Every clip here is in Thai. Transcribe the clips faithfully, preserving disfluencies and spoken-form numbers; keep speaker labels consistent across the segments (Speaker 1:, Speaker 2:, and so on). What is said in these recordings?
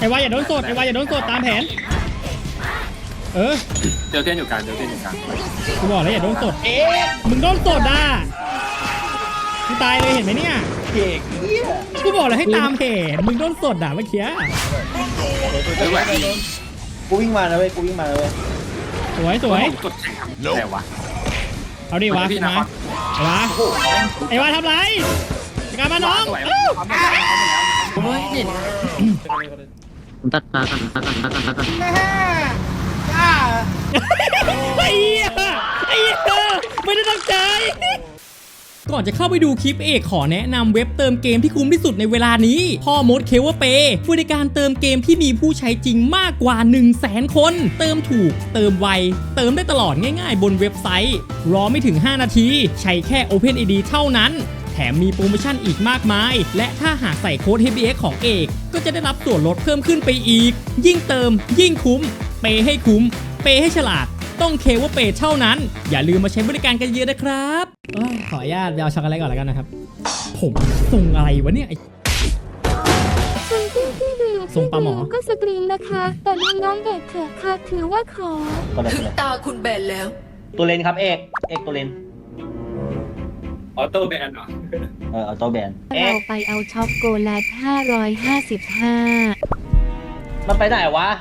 Speaker 1: อ้วาอย่าโดนสดไอ้วาอย่าโดนสดตามแผนเออ
Speaker 2: เจอเทนอยู่กลางเจอเทนอยู่กลาง
Speaker 1: กูบอกแล้วอย่าโดนสดเอ๊ะมึงโดนสดอ่ะกูตายเลยเห็นไหมเนี่ย
Speaker 3: เก่ง
Speaker 1: กูบอกแล้วให้ตามแผนมึงโดนสดอ่ะเมื่อกี้
Speaker 3: กูวิ่งมาแล้วเว้ยกูวิ่งมาแล้วเว้ย
Speaker 1: สวยสวย
Speaker 2: กดแข่งทำแต่วะ
Speaker 1: เอาดิวะมาไอ้วะไอ้วะทำไรกลับมาน้อง
Speaker 2: โอ้ยเด็ด
Speaker 4: ตัดตากันตัดกันตัดกันตัดกัน
Speaker 1: ไอ้เหี้ยไอ้เหี้ยไม่ได้ตั้งใจก่อนจะเข้าไปดูคลิปเอกขอแนะนำเว็บเติมเกมที่คุ้มที่สุดในเวลานี้พ่อมดเคเวอร์เปย์บริการเติมเกมที่มีผู้ใช้จริงมากกว่า หนึ่งแสน คนเติมถูกเติมไวเติมได้ตลอดง่ายๆบนเว็บไซต์รอไม่ถึงห้านาทีใช้แค่ Open ไอ ดี เท่านั้นแถมมีโปรโมชั่นอีกมากมายและถ้าหากใส่โค้ด เอช บี เอ็กซ์ ของเอกก็จะได้รับส่วนลดเพิ่มขึ้นไปอีกยิ่งเติมยิ่งคุ้มเปย์ให้คุ้มเปย์ให้ฉลาดต้องเคเวอร์เปย์เท่านั้นอย่าลืมมาใช้บริการกันเยอะนะครับขออนุญาตไปเอาช็อกโกแลตก่อนแล้วกันนะครับผมส่งอะไรวะเนี่ยส่งปลาหมอ
Speaker 5: ก็สกรีนนะคะแต่น้องๆเด็กเถอะค่ะถือว่าขอ
Speaker 6: ถึงตาคุณแบนแล้ว
Speaker 3: ตัวเลนครับเอกเอกตัวเลน
Speaker 2: ออโต้แบนเหรอ
Speaker 3: เออออโต้แบน
Speaker 5: เราไปเอาช็อกโกแลตห้าร้อยห้าสิบห้า
Speaker 3: มันไปไหนวะ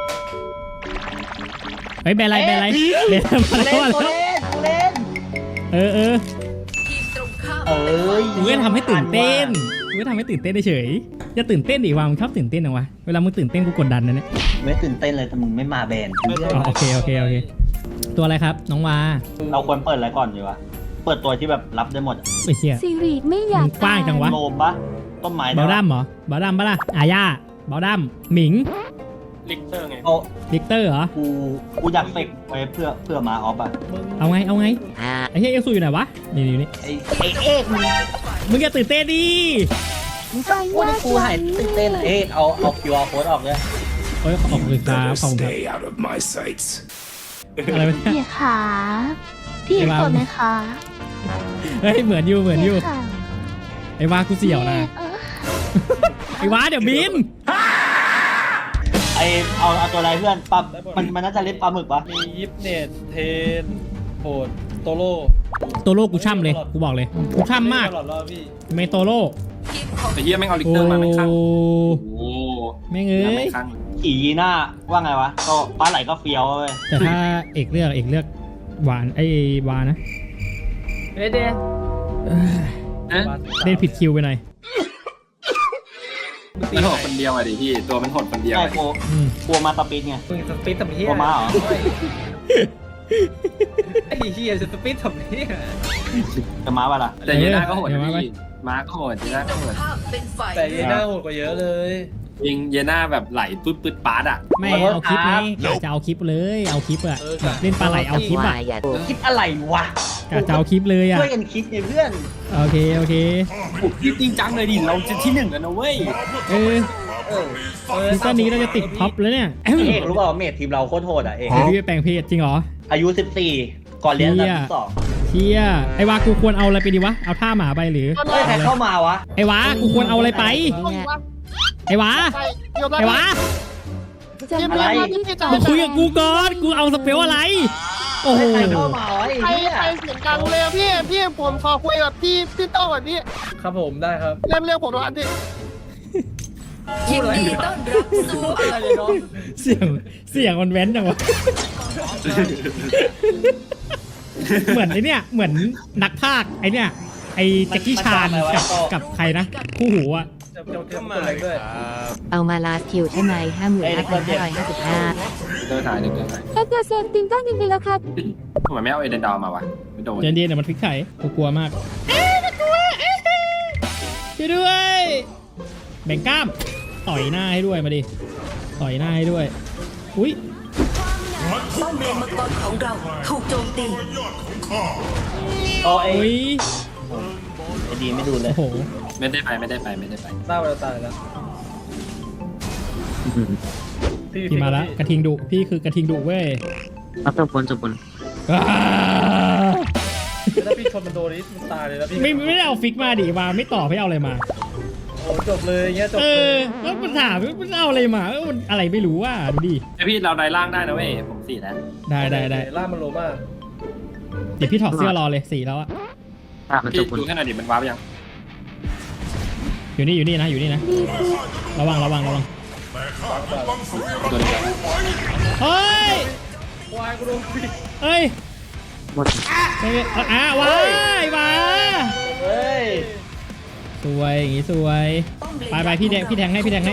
Speaker 1: เฮ้ยแบนไรแบนไรแบนมาแล้วมาแล้วเออเออ
Speaker 3: เอ้ย
Speaker 1: กูก็ทำให้ตื่นเต้นกูก็ทำให้ตื่นเต้นเฉยจะตื่นเต้นดิวะมึงชอบตื่นเต้นเหรอวะเวลามึงตื่นเต้นกูกดดันนะเนี่ย
Speaker 3: ไม่ตื่นเต้นเลยแต่มึงไม่มาแบน
Speaker 1: โอเคโอเคโอเคตัวอะไรครับน้องวา
Speaker 3: เราควรเปิดอะไรก่อนดีวะเปิดตัวที่แบบรับได้หมด
Speaker 1: ไอ้เหี้ย
Speaker 5: ซีรีส์ไม่อยาก
Speaker 1: กว้างจังวะ
Speaker 3: โลมปะต้นไม้
Speaker 1: บอดัมเหรอบอดัมปะล่ะอาญาบอดัมหมิง
Speaker 2: ลิกเตอร์ไง
Speaker 3: โอ้
Speaker 1: ลิกเตอร์เหรอ
Speaker 3: กูกูอยากเฟกไว้เพื่อเพื่อมาออฟอะ
Speaker 1: เอาไงเอาไงไอ้เหี้ยเอลซูอยู่ไหนวะนี่นี่นี่
Speaker 3: ไอ้ไอ้เอกมึง
Speaker 1: มึงอย่าตื่นเต้นดิ
Speaker 3: มึงพูดให้กูหายตื่นเต้นเอกเอาเอาคิวอาร์โค้ดออกเลย
Speaker 1: เฮ้ยขอบคุณครับขอบคุณครับอะไรวะ
Speaker 5: พี่ขาพี่กดไหมคะ
Speaker 1: เฮ้ยเหมือนอยู่เหมือนอยู่ไอ้วากูเสี่ยวนะไอ้วาเดี๋ยวบิน
Speaker 3: ไอเอาเอาตัวอะไรเพื่อนปลามันมันน่าจะเล่นปลาหมึกปะ
Speaker 7: มียิปเนตเทนโหดโตโร่
Speaker 1: โตโร่กูช่ำเลยกูบอกเลยกูช่ำมากเมโตโร่
Speaker 2: ไอ้เหี้ยแม่งเอาลิกเตอร์มาแม่งข้างโอ้
Speaker 1: แม่งเอ้ย
Speaker 3: ขี่ยีน่าว่าไงวะก็ปลาไหลก็เฟี้ยวเว้ย
Speaker 1: แต่ถ้าเอกเลือกเอกเลือกหวานไอ้วานะ
Speaker 7: เดเด
Speaker 1: เล่นผิดคิวไปหน่อย
Speaker 2: มันโหดคนเดียวอะดิพี่ตัวมันโหดคนเดียว
Speaker 3: ใช่กลัวกลัวมาสปีดไง
Speaker 7: สปีดทำเหี้ย
Speaker 3: กลัวมาเหรอ
Speaker 7: ไอ้เหี้ยสปีดทำเหี้ย
Speaker 3: จะมาป่ะล่ะ
Speaker 2: แต่เยน่าก็โหดพี่มาก็โหดเยน่าก็โหด
Speaker 7: แต่เยน่าโหดกว่าเยอะเลย
Speaker 2: ยิงเยน่าแบบไหลปึ๊ดปึ๊ดปาร์ดอะ
Speaker 1: ไม่เอาคลิปไงจะเอาคลิปเลยเอาคลิปอะเล่นปลาไหลเอาคลิปอะ
Speaker 3: คลิปอะไรวะ
Speaker 1: กะจะเอาคลิปเลยอะ
Speaker 3: ช่วยกันคิดไงเพื่อน
Speaker 1: โอเคโอเค
Speaker 2: คิดจริงจังเลยดิเราจะที่หนึ่งกันนะเว้ย
Speaker 1: เออซีซั่นนี้เราจะติดท็อปแล้วเนี่ย
Speaker 3: เอกรู้เปล่าเมททีมเราโคตรโหดอ่ะเอก
Speaker 1: พี่แปลงเพศจริงเหรอ
Speaker 3: อายุสิบสี่ก่อนเรียนระดับสอง
Speaker 1: เชี่ยไอ้วากูควรเอาอะไรไปดีวะเอาท่าหมาไปหรือ
Speaker 3: เฮ้ยใครเข้ามาวะ
Speaker 1: ไอ้วากูควรเอาอะไรไปไอ้วาไอ้วา
Speaker 3: อะไร
Speaker 1: มาคุยกับกูก่อนกูเอาสเปลอะไรโอ้โห
Speaker 3: ใครเข้ามา
Speaker 8: ใครใครเสียงดังเลยพี่พี่ผมขอคุยกับพี่พี่โต้ก่อนพี่
Speaker 7: ครับผมได้ครับ
Speaker 8: เรียกเรียกผมตรงนั้นดิ
Speaker 6: ยินดีต้อนรับสู่อะไรเนาะ
Speaker 1: เสียงเสียงมันแว้นจังวะเหมือนไอเนี้ยเหมือนนักพากย์ไอเนี้ยไอแจ็คกี้ชานกับกับใครนะคู่หูอะ
Speaker 5: เอามาลาสคิวใช่ไหมห้าหมื่นห้าพันห้าร้อยห้าสิบห้า
Speaker 2: เดินถ่ายเดินถ่าย
Speaker 5: ถ้าจะเซ็นติงต้องจริงๆแล้วครับ
Speaker 2: ทำไมไม่เอาเอเดนดาวมาวะไม่โดน
Speaker 1: เย็นๆเดี๋ยวมันพลิกไข่กูกลัวมากเอ๊ะกลัวช่วยด้วยแบ่งกล้ามต่อยหน้าให้ด้วยมาดิต่อยหน้าให้ด้วยอุ้ย
Speaker 6: ป้อมเลนมังกรของเราถูกโจมตี
Speaker 3: โอ้ย
Speaker 1: ไอ้
Speaker 3: ดีไม่ดูเลย
Speaker 1: โอ้โห
Speaker 2: ไม่ได้ไปไม่ได้ไปไม่ได้ไป
Speaker 7: เศร้าเราตายแล้ว
Speaker 1: พี่มาแล้วกระทิงดุพี่คือกระทิงดุเว้ย
Speaker 4: รับตัวบนจบบน
Speaker 7: ถ้าพี่ชนมันโดนนี่มันตายเลยแล้วพี่
Speaker 1: ไม่ไม่ได้เอาฟิกมาดิมาไม่ต่อไม่เอาอะไรมา
Speaker 7: โอ้อ้จบเลยเงี้ยจบ
Speaker 1: เอ
Speaker 7: เล
Speaker 1: อย แล้วมันถามมันเอาอะไรมาเออมันอะไรไม่รู้ว่าดูดิ
Speaker 2: ไอพี่เราได้ล่างได้นะเว้ยผมสี่แล้ว
Speaker 1: ได้ได้ได้
Speaker 7: ล่ามันโลมาก
Speaker 1: เดี๋ยวพี่ถอดเสื้อรอเลยสี่แล้วอะ
Speaker 4: ตามันจ
Speaker 2: พี่
Speaker 4: บคน
Speaker 2: ดูแค่หน่อยดิมันว้าไปยัง
Speaker 1: อยู่นี่อยู่นี่นะอยู่นี่นะ
Speaker 5: ดีคือ
Speaker 1: ระวังระวังระวัง
Speaker 2: ตัวนี้
Speaker 1: เฮ้ย
Speaker 7: ควายกูโดนปิด
Speaker 1: เอ้ย
Speaker 4: หมด
Speaker 1: เอ้ยอ่ะว้ายว้า
Speaker 3: เฮ้ย
Speaker 1: สวยอย่างงี้สวยไปไปพี่แดงพี่แทงให้พี่แทงให้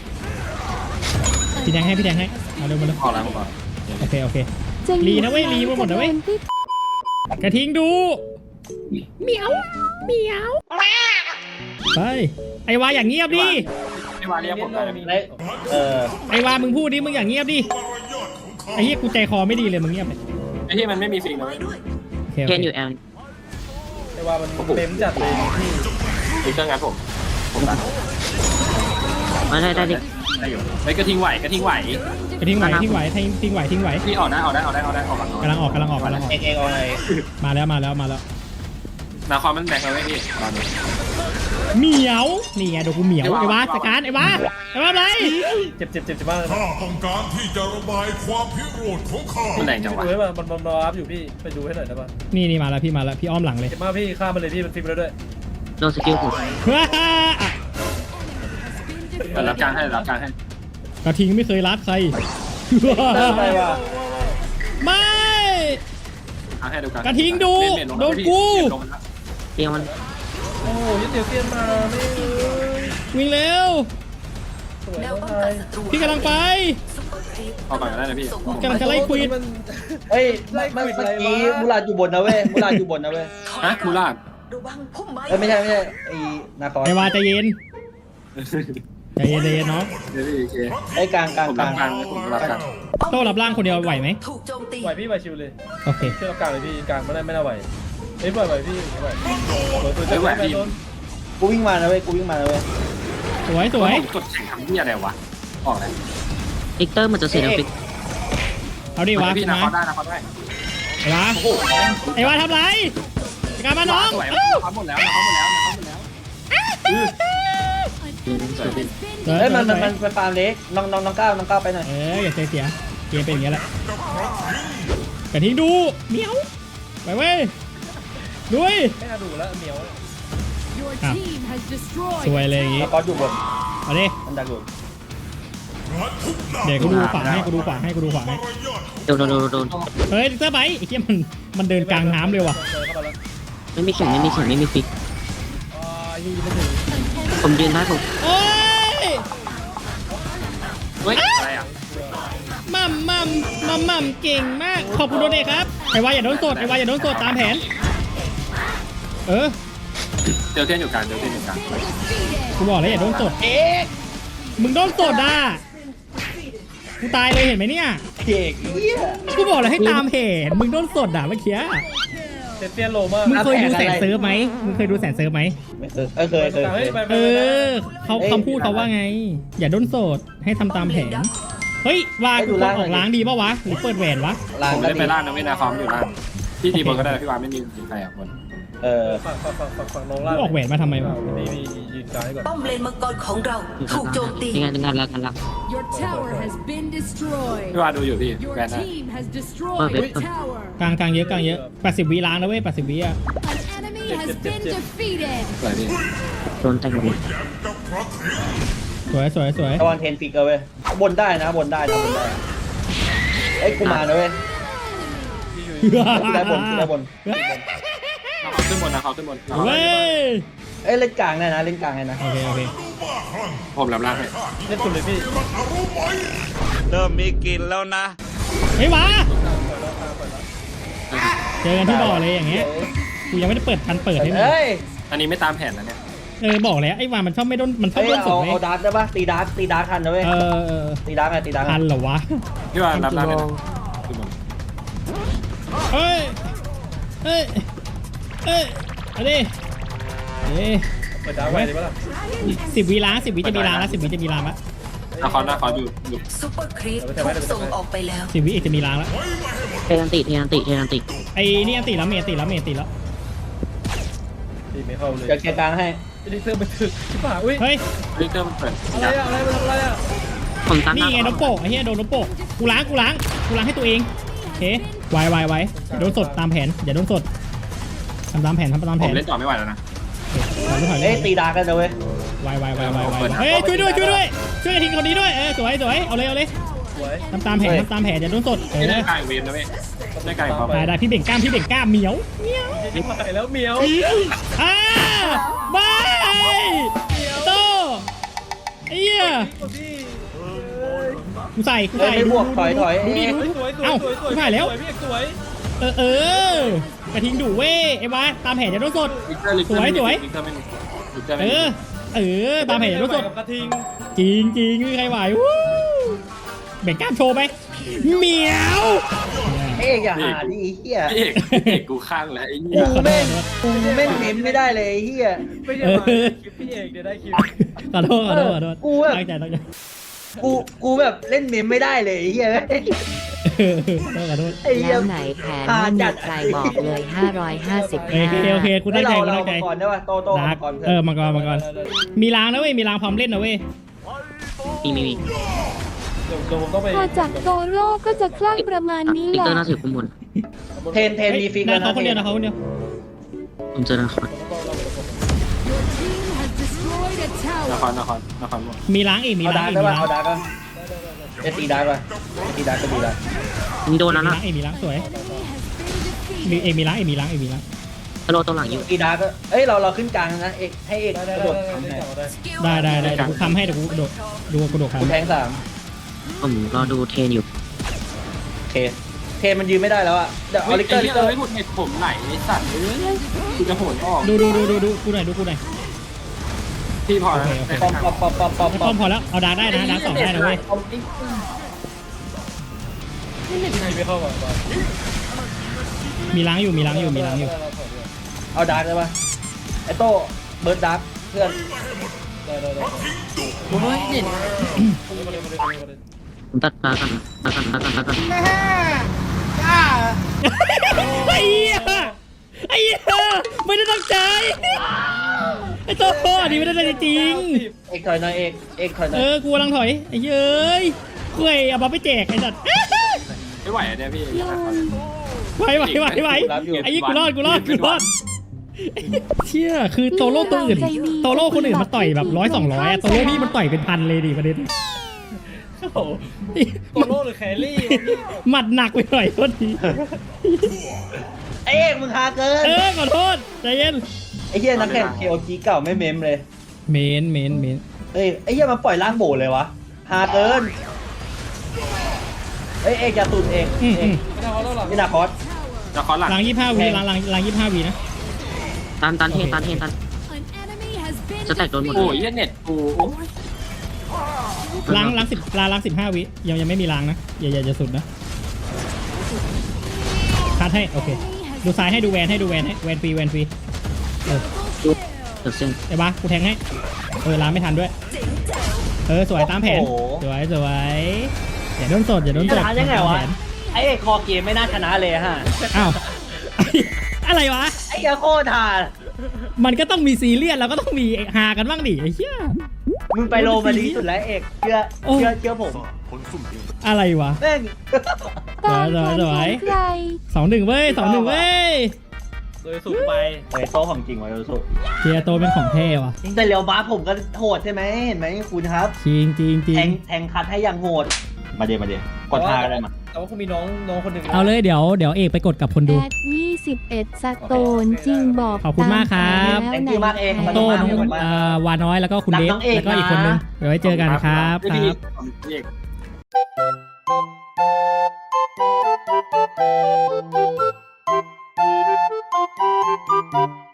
Speaker 1: พี่แทงให้พี่แทงให้เอาเร็วมาเร็ว
Speaker 2: ออกแล้วก่อน
Speaker 1: โอเคโอเค
Speaker 5: จะ
Speaker 1: ลีนะเว้ยลีมาหมดนะเว้ย
Speaker 5: ที่
Speaker 1: กระทิงดูเหมียวเหมียวไปไอวาอย่างเงียบดิ
Speaker 2: ไม่ว้าเรียกผมได้นะพี่
Speaker 3: เละเออ
Speaker 1: ไอวามึงพูดดิมึงอย่างเงียบดิไอเหี้ยกูใจคอไม่ดีเลยมึงเงียบเลย
Speaker 2: ไอที่มันไม่มีฟิงนะเว้ย
Speaker 1: โอเคโอ
Speaker 4: เคนอ
Speaker 1: เค
Speaker 4: ยู่แอล
Speaker 7: ไอ้ว่ามันเต็มจัดเลยพี่
Speaker 2: มีเครื่องงานผมผมตัด
Speaker 4: มาได้ได้ดิ
Speaker 2: ได้อยู่ไอกระทิงไหวกระทิงไหว
Speaker 1: กระทิงไหวทิ้งไหวทิ้งทิ้งไหวทิ้งไหว
Speaker 2: พี่ออกได้ออกได้ออกได้ออกได้ออกก่อน
Speaker 1: กำลังออกกำลังออกกำลังออก
Speaker 3: เองเองเอาไง
Speaker 1: มาแล้วมาแล้วมาแล้ว
Speaker 2: นาคอมมันแบกเราไว้พี่ตอนนี้
Speaker 1: เหมียวนี่ไงเดี๋ยวกูเหมียวไอ้วาสการไอ้วาไอ้วาอะไร
Speaker 7: เจ็บเจ็บเจ็บเจ็บมากเลย
Speaker 9: ข้าต้องการที่จะระบายความพิโรธของข้า
Speaker 2: มันแรงจัง
Speaker 7: ดู
Speaker 2: วะ
Speaker 7: ให้มันมันมันรอรับอยู่พี่ไปดูให้หน่อยได้ป่ะ
Speaker 1: นี่นี่มาแล้วพี่มาแล้วพี่อ้อมหลังเลย
Speaker 7: เจ็บมากพี่ฆ่ามันเลยพี่มันฟิกไปแล้วด้วย
Speaker 4: โดนสกิลผม
Speaker 1: ว้าอ่ะ
Speaker 2: แต่รับกลางให้รับกลางให้
Speaker 1: กระทิงไม่เคยรักใคร
Speaker 3: เติมไปว่ะ
Speaker 1: ไม่
Speaker 2: กลางให้ดูกลาง
Speaker 1: กระทิงดู
Speaker 2: เมนเมนลง
Speaker 1: โดนกู
Speaker 2: เมนลงแล้ว
Speaker 4: เตียงมัน
Speaker 7: โอ้ยเดี๋ยวเตียนมาไม่เลย
Speaker 1: วิ่งเร็ว
Speaker 7: สวย
Speaker 6: แนว
Speaker 7: มา
Speaker 6: ป้อง
Speaker 7: ก
Speaker 6: กัน
Speaker 7: เลย
Speaker 6: ศัตรู
Speaker 1: พี่กำลังไป
Speaker 6: ซุปเปอร์ครีป
Speaker 2: เอาก่อนก็ได้นะพี่
Speaker 1: กำลังจะไล่ควิด
Speaker 7: มัน
Speaker 3: เฮ้ยเมื่อเมื่อกี้มูลาดอยู่บนนะเว้ยมูลาดอยู่บนนะเว้ย
Speaker 2: ฮะคูลาด
Speaker 6: ระวังพุ่มไม้
Speaker 3: เอ้ยไม่ใช่ไม่ใช่ไอ้นาคอ
Speaker 1: ไอ้วาใจเย็นใจเย็นใจเย็นเนาะ
Speaker 2: เดี๋ยวพี่โอเค
Speaker 3: ไอ้กลางกลาง
Speaker 2: ผม
Speaker 3: ก
Speaker 2: รั
Speaker 3: ลา
Speaker 2: บ
Speaker 3: ง
Speaker 2: กลางผมรับกลาง
Speaker 1: โต้รับร่างคนเดียวไหวไหม
Speaker 6: ถูกโจมตี
Speaker 7: ไหวพี่ไหวชิวเลย
Speaker 1: โอเค
Speaker 7: เชื่อรับกลางเลยพี่กลางไม่ได้ไม่น่าไหวเฮ้ยไหวไหวพี่ไหวตัว
Speaker 2: ไม่ไหวพี่
Speaker 7: โดน
Speaker 3: กูวิ่งมานะเว้ยกูวิ่งมานะเว้ย
Speaker 1: สวยสวย
Speaker 2: ผมกดแข่งทำที่อะไรวะออกแล้ว
Speaker 4: อิกเตอร์มันจะเสียดฟิก
Speaker 1: เอาดิวา
Speaker 2: พี่
Speaker 1: ขึ้น
Speaker 2: นะ
Speaker 1: มา
Speaker 2: เขาได้นะเขาได้
Speaker 1: ไอ้วา
Speaker 2: โอ้โห
Speaker 1: ไอ้วาทำไรจัดการมาน้อง
Speaker 2: สวย
Speaker 1: เอ้า
Speaker 2: เขาหมดแล้วเขาหมดแล้วเขาหมดแล้วสวยพี่
Speaker 1: สวย
Speaker 3: เฮ้ยมัน
Speaker 1: ส
Speaker 3: มั
Speaker 1: วน ย
Speaker 3: มันไปฟาร์มเล็กน้องน้องน้องก้าวน้องก้าวไปหน่อย
Speaker 1: เอออย่าใจเสียเกมเป็นอย่างเงี้ยแหละกระทิงดูเหมียวไปเว้ยด้วย
Speaker 7: ไม่น่าดูแล้วเหนียว
Speaker 1: อ่ะสวยเลยอย่างงี้
Speaker 3: นาคออยู่บน
Speaker 1: เอาดิ
Speaker 3: มันดักอยู่
Speaker 1: เดี๋ยวกูดูขวาให้กูดูขวาให้กูดูขวาให้
Speaker 4: โดนโดนโดนโดน
Speaker 1: เฮ้ยเสื้อใบไอ้เหี้ยมันมันเดินกลางน้ำเลยว่ะ
Speaker 7: เจอเข้ามาแล้ว
Speaker 4: ไม่มีเข็มไม่มีเข็มไม่มีฟิก
Speaker 7: อ่ายูไม่ถึง
Speaker 4: ผมยืนได้ผม
Speaker 1: โอ้ย
Speaker 2: เฮ้ยอะไรอ่ะ
Speaker 1: มัมมัมมัมมัมเก่งมากขอบคุณโดเนทครับไอ้วาอย่าโดนสดไอ้วาอย่าโดนสดตามแผนเออ
Speaker 2: เดี๋ยวเทียนอยู่กลางเดี๋ยวเทียนอยู่กลาง
Speaker 1: กูบอกแล้วอย่าโดนสดเอ๊ะมึงโดนสดอ่ะกูตายเลยเห็นไหมเนี่ย
Speaker 3: เก่งเหี้ย
Speaker 1: กูบอกแล้วให้ตามเหตุมึงโดนสดอ่ะเมื่อกี้
Speaker 7: เจ็บเตียนโลมาก
Speaker 1: มึงเคยดูแสนเซิร์ฟไหมมึงเคยดูแสนเซิร์ฟไหม
Speaker 3: ไม่เคยเออเคยเคยเค
Speaker 7: เฮ้ย
Speaker 3: ย
Speaker 7: ไปไป
Speaker 1: เอ
Speaker 7: ไป
Speaker 1: อเขาคำพูดเขาว่าไง อย่าโดนสดให้ทำตามแผนเฮ้ยว่ากูควรออกล้างดีป่าวะหรือเปิดแหวนวะ
Speaker 3: ล้าง
Speaker 2: ผม
Speaker 3: ก็
Speaker 2: ไม่ได้
Speaker 3: ดี
Speaker 2: ไปล่างนะเว้ยนาคอมอยู่ล่างพี่ตีบอลก็ได้พี่วานไม่มีใครอ่ะคน
Speaker 3: เออ
Speaker 7: ฝั่งฝั่งฝั่งฝั่งฝั่งน้อง
Speaker 1: กู
Speaker 7: ล่าง
Speaker 1: ออกแหวนมาทำไมวะ
Speaker 7: มีมียืนกลางให้ก่อน
Speaker 6: ป้อมเลนมังกรของเรา
Speaker 4: อยู่
Speaker 6: ถูกโจมตี
Speaker 4: ยังไงงานแล้วกันละ
Speaker 10: Your tower has been destroyed.
Speaker 2: พี่วานดูอยู่พี่
Speaker 10: Your
Speaker 2: แวนได้
Speaker 10: team has
Speaker 4: เปิด
Speaker 10: destroyed
Speaker 4: เว็บ
Speaker 10: a tower.
Speaker 1: กลางกลางเยอะกลางเยอะแปดสิบวิล้างนะเว้ยแปดสิบวิอ่ะ
Speaker 10: An enemy has been defeated.
Speaker 2: สวยพี่
Speaker 4: โดนแต่งหมด
Speaker 1: สวยสวยสวย
Speaker 3: ระวังเทนฟิกเอาเว้ยบนได้นะบนได้นะบนได้เอ้ยกูมานะเว้ยกูได้บนกูได้บน
Speaker 2: นาคอมขึ้นบนนาคอมขึ้นบน
Speaker 1: เว้ย
Speaker 3: เอ้ยเล่นกลางได้นะเล่นกลางได้นะ
Speaker 1: โอเคโอเค
Speaker 2: ผมรับล่างให้
Speaker 7: เล่นสุดเลยพี่
Speaker 9: เริ่มมีกลิ่นแล้วนะ
Speaker 1: เฮ้ยวะเจอกันที่บ่อเลยอย่างเงี้ยกูยังไม่ได้เปิดทันเปิดให้มึง
Speaker 3: เอ้ย
Speaker 2: อันนี้ไม่ตามแผนนะเนี่ย
Speaker 1: เออบอกแล้วไอ้วามันชอบไม่โดนมันชอบ
Speaker 3: เอ้ย
Speaker 1: โดนสด
Speaker 3: เอา
Speaker 1: ไหม
Speaker 3: เอาดาร์กได้ปะตีดาร์กตีดาร์กทันนะเว้ย
Speaker 1: เออเออ
Speaker 3: ตีดาร์กไงตีดาร์ก
Speaker 1: ทันเหรอวะ
Speaker 2: พี่วานรับล่างเลยนะขึ้นบน
Speaker 1: เฮ้ยเฮ้ยเฮ้ยเอาดิเอ้ย
Speaker 7: เปิดดาวไว้ดีปะล่ะ
Speaker 1: สิบวิล้างสิบวิจะมีล้างแล้วสิบวิจะมีล้างแล้ว
Speaker 2: นาคอมนาคอมอยู่อยู่
Speaker 6: ซุปเปอร์ครีปถูกส่งออกไปแล้ว
Speaker 1: สิบวิอีกจะมีล้างแล้ว
Speaker 4: เทนันติเทนันติเทนันติ
Speaker 1: ไอ้นี่อันติแล้วเมย์ติแล้วเมย์ติแล้ว
Speaker 7: ตีไม่เข้าเลย
Speaker 3: จะเคลียร์กลางให้
Speaker 7: อลิกเตอร์มันถึกชิบหายอุ้ย
Speaker 1: เฮ้ย
Speaker 2: อลิกเตอร์มันเปิด
Speaker 7: อะไรอะอะไรมันทำอะไรอะ
Speaker 4: ผมตัด
Speaker 1: นี่ไงโดนโปะไอ้เหี้ยโดนโดนโปะกูล้างกูล้างกูล้างให้ตัวเองโอเคไวไวไวอย่าโดนสดตามแผนอย่าโดนสดทำตามแผนทำตาม
Speaker 2: ผ
Speaker 1: แผม น
Speaker 2: เล่นต่อไม่ไหวแล้วนะ
Speaker 1: ถอยถอย
Speaker 3: เอ้ยตีดากันนะเว้ย
Speaker 1: ไวไวไวไวไวเฮ้ยช่วยด้วยช่วยด้วยช่วยกระทิงคนนี้ด้วยเออสวยสวยเอาเลยเอาเลย
Speaker 7: สวย
Speaker 1: ทำตามแผนทำตามแผนอย่าโดนสดเอ
Speaker 2: ไม่ได้
Speaker 1: อ
Speaker 2: ไกลเวฟนะเว้ยได้ไกลความ
Speaker 1: ได้ได้พี่เบ่งกล้ามพี่เบ่งกล้ามเหมียวเหมียว
Speaker 7: ชิบหายแล้วเหมียว
Speaker 1: อ่าไม่โตไอ้เหี้ย
Speaker 7: พี่
Speaker 1: กูใส่กู
Speaker 3: เอ้ย
Speaker 1: ใส่
Speaker 3: ไม่บวกถอยถอย
Speaker 1: ดูดิ
Speaker 3: เอ้ย
Speaker 1: ดูดิ
Speaker 7: สวยสวย
Speaker 1: เอ้า
Speaker 7: สวยสวย
Speaker 1: ชิบหายแล้ว
Speaker 7: สวยพี่เอกสวย
Speaker 1: เออเออกระทิงดุเว้ยไอ้วะตามแผนอย่าโดนสด
Speaker 2: ลิกเตอร์ลิกเตอร์
Speaker 1: สวยสวย
Speaker 2: ลิกเตอร์ไม่มีลิกเตอร์
Speaker 1: เอ
Speaker 2: ไม่มี
Speaker 1: อเออตามแผนอย่าโดนสด
Speaker 7: กับกระทิง
Speaker 1: จริงจริงไม่มีใครไหววู้เบ่งกล้ามโชว์ไปเหมียว
Speaker 3: เอ้ยอย่าหาดิไอ้เหี้ย
Speaker 2: พี่เอกพี่เอกกูข้างแล้วไอ้เนี่ย
Speaker 3: กูแม่งกูแม่งเน้นไม่ได้เลยไอ้เหี้ย
Speaker 7: ไม่ใช่มาคลิปพี่เอกเดี๋ยวได้คลิป
Speaker 1: ขอโทษขอโทษขอโทษ
Speaker 3: กูแบบ
Speaker 1: ตั้งใจตั้งใจ
Speaker 3: กูกูแบบเล่นเมมไม่ได้เลยไอ้เหี้ย
Speaker 1: เออขอโทษขอโทษ
Speaker 3: ไอ้เหี้ย
Speaker 11: แล้วไหนแผนไม่มีใครบอกเลยห้าร้อยห้าสิบ
Speaker 1: โอเคโอเคกู
Speaker 3: ให้
Speaker 1: ตั้งใจ
Speaker 3: เรา
Speaker 1: กู
Speaker 3: เรา
Speaker 1: ตั้งใจ
Speaker 3: มังกรได้ป่ะโตโต
Speaker 1: ดั
Speaker 3: มั
Speaker 1: ก
Speaker 3: งกรเพื่
Speaker 1: เอ
Speaker 3: อ
Speaker 1: อน มังกรมังกรมีล้างนะเว้ยมีล้างพร้อมเล่นนะเว้ย
Speaker 4: มีมีมี
Speaker 7: เดี๋ยวเดี๋ยวผมต้องไป
Speaker 5: พอจากโตโร่ก็จะคลั่งประมาณนี้
Speaker 4: ลิก
Speaker 5: แห
Speaker 4: เตอร์
Speaker 5: ละ
Speaker 4: น่าถือข้อมูล
Speaker 3: เทนเทนมีฟิก
Speaker 1: นะ
Speaker 3: แล้ว
Speaker 1: เขา
Speaker 3: นะ
Speaker 1: คนเดียวนะเขาคนเดียว
Speaker 4: ผมเจอนะคร
Speaker 10: Your team has destroyed a
Speaker 2: น
Speaker 10: tower.
Speaker 2: ครนครนครหมด
Speaker 1: มีล้างอีกมี
Speaker 3: เอา
Speaker 1: ล้า
Speaker 3: ดาง ร์ก
Speaker 1: อีก
Speaker 3: ได้
Speaker 1: มี
Speaker 3: ป่ะ
Speaker 1: ล้าง
Speaker 3: เอาดาร์กก็เอตีดาร์กป่ะตีดาร์กก็ดีดาร์ก
Speaker 4: มีโดน
Speaker 1: มี
Speaker 4: แล้ว
Speaker 1: ล้า
Speaker 4: นะ
Speaker 1: งอีกมีล้างสวย
Speaker 10: Enemy has been defeated.
Speaker 1: มีเอกมีล้างเอกมีล้างเอกมีล้าง
Speaker 4: ฮัลโหลตัวหลังอยู่
Speaker 3: ตีดาร์กก็เอ้ยเราเราขึ้นกลางนะเอกให้เอก
Speaker 7: ได้
Speaker 3: ก
Speaker 7: ได้
Speaker 3: ระ
Speaker 7: ได้
Speaker 3: โดด
Speaker 7: ได้
Speaker 3: ทำไง
Speaker 7: ได้ได้
Speaker 1: ได้ได้ได้เดี๋ยวกูทำให้เดี๋ยวกูโดดดูกูโดด
Speaker 3: กู
Speaker 1: ทำ
Speaker 3: แทงสาม
Speaker 4: ผมรอดูเทรนอยู่
Speaker 3: โอเคเทนมันยืนไม่ได้แล้วอะเดี๋ยวเอาลิกเตอร์ลิกเตอร์
Speaker 2: ไอ้หุ่นเห็ดผมไหลไอ้สัตว์เอ้ยกูจะโหนออก
Speaker 1: ดูดูดูดูดูกูหน่อยดูกูหน่อย
Speaker 2: พี่พอแล้ว
Speaker 1: โอเคโอเค
Speaker 3: ปอมปอมปอมปอมปอม
Speaker 1: ไอ้
Speaker 3: ป
Speaker 1: ป้
Speaker 3: อ
Speaker 1: อ
Speaker 3: ม
Speaker 1: มพอแล้วเอาดาร์กได้นะดาร์กสองได้นะเว้ย
Speaker 7: ไม่เข้าก่อนก่อน
Speaker 1: มีล้างอยู่มีล้างอยู่มีล้างอยู่
Speaker 3: เอาดาร์กได้ป่ะไอโต้เบิร์ดดาร์กเพื่อน
Speaker 7: ได้ได้ได้
Speaker 4: โอ้ยเด่นผมตัดตากันตากันตากันตากัน
Speaker 1: ไอ้เหี้ยไอ้เหี้ยไม่ได้ตั้งใจไอ้โต้อันนี้ไม่ได้ตั้งใจจริง
Speaker 3: เอกถอยหน่อยเอกเอกถอยหน่
Speaker 1: เอ
Speaker 3: อย
Speaker 1: อกูกำลังถอยไอ้เย้ยคุยเอามาไปแจกไอ้สัตว์
Speaker 2: ไม่ไหวอะเนี่ยพี่
Speaker 1: ไหวไหวไหวไหวไอ้ยี่กูรอดกูรอดกูรอดเชี่ยคือโตโร่ตัวอื่นโตโร่คนอื่นมันต่อยแบบร้อยสองร้อยโตโร่พี่มันต่อยเป็นพันเลยดิประเด็น
Speaker 7: โอ้โหโตโร่หรือแครี่
Speaker 1: หมัดหนักไปหน่อยโทษที
Speaker 3: ไอเอกมึงหาเกิน
Speaker 1: เออขอโทษใจเย็น
Speaker 3: ไอเฮียนักแข่งเคโอจีเก่าไม่เมมเลย
Speaker 1: เมนเมนเมน
Speaker 3: เฮ้ยไอเฮียมันปล่อยร่างโบเลยวะหาเกินเฮ้ยเอกอย่าตุนเอก
Speaker 1: อืม
Speaker 3: เอ
Speaker 1: อื
Speaker 3: ก
Speaker 1: ม
Speaker 7: ไม่ได้เขาแล้วหรอ
Speaker 3: นี่นาคอส
Speaker 2: นครหลัง
Speaker 1: หลังยี่ห้าวีหลังหลังหลังยี่ห้าวีนะ
Speaker 4: ตันตันเทนตันเทนตัน
Speaker 10: An enemy has been
Speaker 4: จะแตกโดนหมด
Speaker 2: โอ้
Speaker 4: เลย ย
Speaker 2: เน็ตกูโอ้ย
Speaker 1: ล้างล้างสิบล้างล้างสิบห้าวิยังยังไม่มีล้างนะอย่าอย่าจะสุดนะคัดให้โอเคดูซ้ายให้ดูแวนให้ดูแวนให้แวนฟรีแวนฟรีเออ
Speaker 4: เดือดเส้น
Speaker 1: ไอ้บ้ากูแทงให้เออล้างไม่ทันด้วยเออสวยตามแผนสวยสวยอย่าโดนสดอย่าโดนสด
Speaker 3: ชนะยังไงวะ
Speaker 1: ตามแผน
Speaker 3: ไอเอกคอเกมไม่น่าชนะเลยฮะ
Speaker 1: อ้าว อะไรวะ
Speaker 3: ไอ้เหี้ยโคตรหา
Speaker 1: มันก็ต้องมีซีเรียสแล้วก็ต้องมีฮากันบ้างดิไอ้เหี้ย
Speaker 3: มึงไปโรมาดีสุดแล้วเอกเชื่อ
Speaker 1: โอ้
Speaker 3: เชื่อเชื่อผม
Speaker 1: อะไรวะ
Speaker 3: แม่ง
Speaker 5: ตามแผน
Speaker 1: ส
Speaker 5: ข
Speaker 1: ว
Speaker 5: อย งใคร
Speaker 1: สองหนึ่งเว้ยสองหนึ่งเว้ย
Speaker 7: โดยสุดไป
Speaker 3: เฮ้ยโต๊ะของจริงวะโยสุ
Speaker 1: เทียโตเป็นของเท่ว่ะ
Speaker 3: แต่เรียวบ้าผมก็โหดใช่ไหมเห็นไหมคุณครับ
Speaker 1: จริงจริงจริ
Speaker 3: แท
Speaker 1: ง
Speaker 3: งแทงคัดให้อย่างโหดมาเดี๋ยวมาเดี๋ยวกดท่าก็ได้มา
Speaker 7: แต่ว่าคงมีน้องน้องคนหนึ่ง
Speaker 1: เอาเลยเดี๋ยวเดี๋ยวเอกไปกดกับคนดู
Speaker 5: แอดยี่สิบเอ็ดสโตนจริงบอก
Speaker 1: ขอบคุณมากครับ
Speaker 5: ตาม
Speaker 3: แทง
Speaker 5: แผ
Speaker 3: คิ
Speaker 5: น
Speaker 3: วมากเอก
Speaker 5: แล้วไหน
Speaker 1: โต้
Speaker 5: แผ
Speaker 1: น้อง
Speaker 5: น
Speaker 1: เอ่อวาน้อยแล้วก็คุณเดฟ
Speaker 3: รักน้องเอก
Speaker 1: แล้วก็อีกคนนึง
Speaker 3: นะ
Speaker 1: เดี๋ยวไว้เจอกันครับค
Speaker 2: พี่
Speaker 1: รับ
Speaker 2: เอก
Speaker 9: Thank you.